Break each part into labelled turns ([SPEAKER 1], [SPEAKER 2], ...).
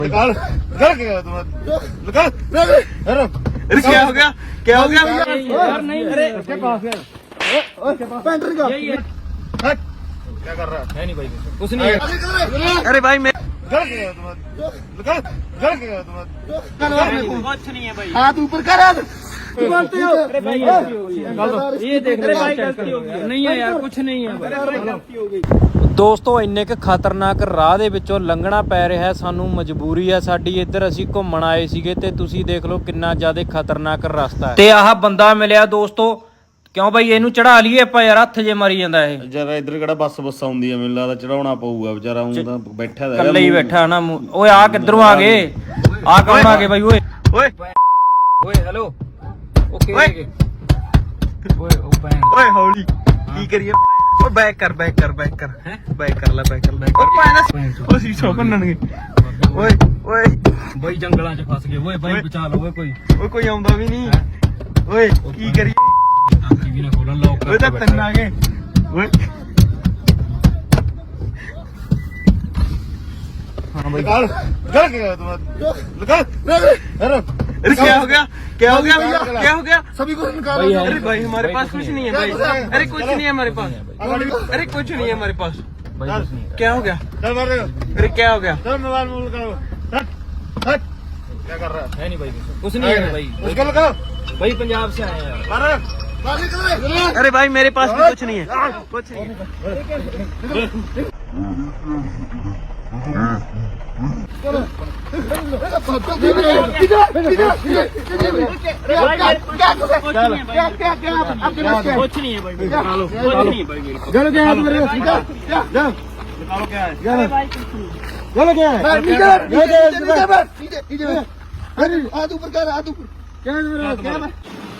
[SPEAKER 1] निकाल निकाल क्या निकाल
[SPEAKER 2] अरे क्या हो गया क्या हो गया
[SPEAKER 3] यार नहीं
[SPEAKER 1] अरे उसके पास है पैंट निकाल क्या कर रहा
[SPEAKER 3] है नहीं भाई कुछ नहीं है।
[SPEAKER 2] अरे भाई मैं
[SPEAKER 1] निकाल निकाल
[SPEAKER 3] कुछ नहीं है भाई।
[SPEAKER 1] हाथ ऊपर कर हाथ बोलते हो
[SPEAKER 3] ये देख रहे भाई गलती हो गई नहीं है यार कुछ नहीं है भाई। ਦੋਸਤੋ ਇੰਨੇ ਕ ਖਤਰਨਾਕ ਰਾਹ ਦੇ ਵਿੱਚੋਂ ਲੰਘਣਾ ਪੈ ਰਿਹਾ ਹੈ ਸਾਨੂੰ ਮਜਬੂਰੀ ਹੈ ਸਾਡੀ ਇੱਧਰ ਅਸੀਂ ਘੁੰਮਣ ਆਏ ਸੀਗੇ ਤੇ ਤੁਸੀਂ ਦੇਖ ਲਓ ਕਿੰਨਾ ਜ਼ਿਆਦਾ ਖਤਰਨਾਕ ਰਸਤਾ ਹੈ ਤੇ ਆਹ ਬੰਦਾ ਮਿਲਿਆ ਦੋਸਤੋ ਕਿਉਂ ਬਾਈ ਇਹਨੂੰ ਚੜਾ ਲਈਏ ਆਪਾਂ ਯਾਰ ਹੱਥ ਜੇ ਮਾਰੀ ਜਾਂਦਾ ਇਹ
[SPEAKER 1] ਜਰਾ ਇੱਧਰ ਕਿਹੜਾ ਬੱਸ ਆਉਂਦੀ ਆ ਮੈਨੂੰ ਲੱਗਦਾ ਚੜਾਉਣਾ ਪਊਗਾ ਵਿਚਾਰਾ ਉਹ ਤਾਂ ਬੈਠਾ ਦਾ
[SPEAKER 3] ਇਕੱਲੇ ਹੀ ਬੈਠਾ ਨਾ ਓਏ ਆ ਕਿੱਧਰੋਂ ਆ ਗਏ ਆ ਕੌਣ ਆ ਗਏ ਬਾਈ ਓਏ
[SPEAKER 2] ਓਏ
[SPEAKER 3] ਓਏ ਹੈਲੋ ਓਕੇ ਓਏ ਉਹ ਬੈਂਗ
[SPEAKER 2] ਓਏ ਹੌਲੀ ਕੀ ਕਰੀਏ ਓਏ ਬੈਕ ਕਰ ਬੈਕ ਕਰ ਬੈਕ ਕਰ ਹੈ ਬੈਕ ਕਰ ਲੈ ਬੈਕ ਕਰ ਬੈਕ ਕਰ ਓ ਸੀਸਾ ਭੰਨਣਗੇ ਓਏ ਓਏ
[SPEAKER 3] ਬਾਈ ਜੰਗਲਾਂ 'ਚ ਫਸ ਗਏ ਓਏ ਬਾਈ ਬਚਾ ਲਓ ਓਏ
[SPEAKER 2] ਓਏ ਕੋਈ ਆਉਂਦਾ ਵੀ ਨਹੀਂ ਓਏ ਕੀ ਕਰੀਏ
[SPEAKER 3] ਟੀਵੀ ਨਾ ਖੋਲਣ ਲੋਕ
[SPEAKER 2] ਓਏ ਤਾਂ ਤਿੰਨ ਆ ਗਏ ਓਏ
[SPEAKER 1] निकाल निकाल क्या निकाल
[SPEAKER 2] अरे क्या हो गया क्या हो गया क्या हो गया
[SPEAKER 1] सभी को निकालो
[SPEAKER 2] अरे भाई हमारे पास कुछ नहीं है भाई अरे कुछ नहीं है हमारे पास अरे कुछ नहीं है हमारे पास क्या हो गया
[SPEAKER 1] चल मार
[SPEAKER 2] अरे क्या हो गया
[SPEAKER 1] चल मोबाइल मोबाइल करो हट हट क्या कर रहा
[SPEAKER 3] है नहीं भाई कुछ नहीं है भाई
[SPEAKER 1] उसको लगाओ
[SPEAKER 3] भाई पंजाब से आए हैं
[SPEAKER 1] मार मार निकल
[SPEAKER 2] अरे भाई मेरे पास भी कुछ नहीं है कुछ नहीं है
[SPEAKER 3] कुछ नहीं है भाई निकालो कुछ नहीं है भाई
[SPEAKER 1] चलो क्या है तुम्हारे निकाल जा निकालो क्या है चलो क्या है निकाल अरे हाथ ऊपर कर हाथ ऊपर क्या है क्या है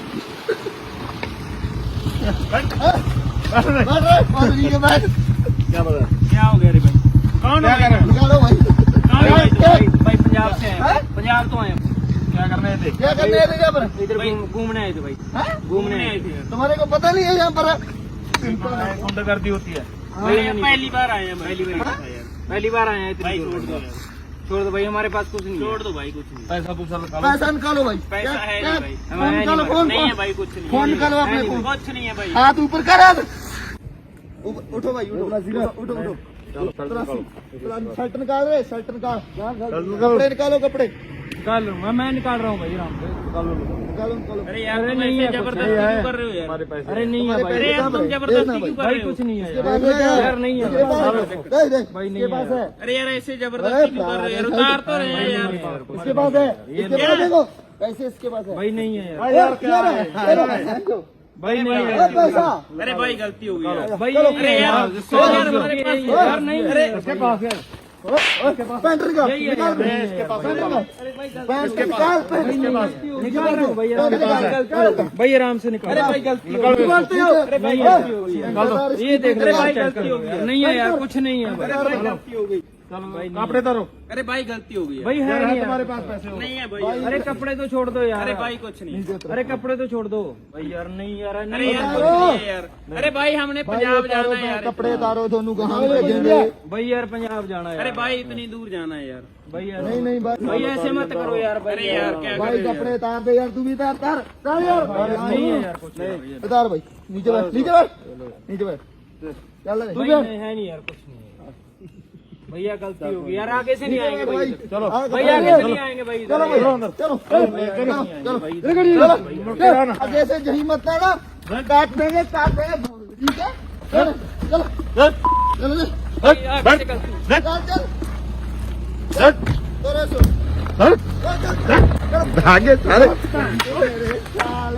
[SPEAKER 1] क्या बता
[SPEAKER 3] क्या हो गया रे भाई कौन
[SPEAKER 1] क्या कर रहे निकालो भाई
[SPEAKER 3] भाई पंजाब से आए पंजाब तो आए
[SPEAKER 1] क्या करने थे क्या करने थे यहाँ पर
[SPEAKER 3] इधर घूमने आए थे भाई घूमने आए थे
[SPEAKER 1] तुम्हारे को पता नहीं है यहाँ पर
[SPEAKER 2] गुंडागर्दी होती है
[SPEAKER 3] पहली बार आए हैं पहली बार आए हैं भाई छोड़ दो भाई हमारे पास कुछ नहीं छोड़ दो भाई कुछ नहीं
[SPEAKER 1] पैसा पूछा पैसा निकालो भाई
[SPEAKER 3] पैसा है नहीं भाई
[SPEAKER 1] फोन निकालो फोन
[SPEAKER 3] नहीं है भाई कुछ नहीं
[SPEAKER 1] फोन निकालो अपने फोन
[SPEAKER 3] कुछ नहीं है भाई
[SPEAKER 1] हाथ ऊपर कर हाथ उठो भाई उठो उठो शर्ट निकाल रहे शर्ट निकाल कपड़े निकालो कपड़े
[SPEAKER 3] निकाल लूंगा मैं निकाल रहा हूँ भाई आराम से
[SPEAKER 1] निकालो निकालो
[SPEAKER 3] अरे यार नहीं है जबरदस्ती क्यों कर रहे हो यार
[SPEAKER 1] हमारे पैसे
[SPEAKER 3] अरे नहीं है भाई अरे यार तुम जबरदस्ती क्यों कर रहे हो कुछ नहीं है यार नहीं है भाई नहीं है अरे यार ऐसे जबरदस्ती क्यों कर रहे हो यार उतार तो रहे हैं यार
[SPEAKER 1] इसके पास है इसके पास देखो पैसे इसके पास है
[SPEAKER 3] भाई नहीं है यार
[SPEAKER 1] क्या है
[SPEAKER 3] भाई नहीं है
[SPEAKER 1] पैसा
[SPEAKER 3] अरे भाई गलती हो गई भाई अरे यार नहीं अरे
[SPEAKER 1] इसके पास है पैंट निकाल निकाल इसके पास पैंट निकाल
[SPEAKER 3] निकाल रहा हूँ भाई आराम से निकाल अरे भाई गलती
[SPEAKER 1] निकालते हो
[SPEAKER 3] अरे भाई गलती हो गई ये देख रहे भाई गलती हो गई नहीं है यार कुछ नहीं है भाई गलती हो गई
[SPEAKER 1] कपड़े तारो
[SPEAKER 3] अरे भाई गलती हो गई
[SPEAKER 1] भाई है नहीं तुम्हारे पास पैसे
[SPEAKER 3] नहीं है भाई अरे कपड़े तो छोड़ दो यार
[SPEAKER 2] अरे भाई कुछ नहीं
[SPEAKER 3] अरे कपड़े तो छोड़ दो भाई यार नहीं यार
[SPEAKER 2] अरे
[SPEAKER 3] नहीं
[SPEAKER 2] यार कुछ नहीं है यार अरे भाई हमने पंजाब जाना है यार
[SPEAKER 1] कपड़े तारो दोनों कहाँ भेजेंगे
[SPEAKER 3] भाई यार पंजाब जाना है
[SPEAKER 2] अरे भाई इतनी दूर जाना है यार
[SPEAKER 3] भाई यार
[SPEAKER 1] नहीं नहीं
[SPEAKER 3] भाई ऐसे मत करो यार
[SPEAKER 2] अरे यार क्या
[SPEAKER 1] भाई कपड़े तार दे यार तू भी तार तार तार यार
[SPEAKER 3] नहीं है यार कुछ नहीं
[SPEAKER 1] तार भाई नीचे बैठ नीचे बैठ नीचे बैठ चल तू
[SPEAKER 3] भाई नहीं है नहीं यार कुछ नहीं है भैया गलती होगी यार आगे से नहीं आएंगे भाई
[SPEAKER 1] चलो
[SPEAKER 3] भाई आगे से नहीं आएंगे भाई
[SPEAKER 1] चलो भाई चलो चलो आगे से जही मत ना काट देंगे ठीक है चलो चलो चलो
[SPEAKER 3] भाई आगे से गलती
[SPEAKER 1] चल चल आगे सारे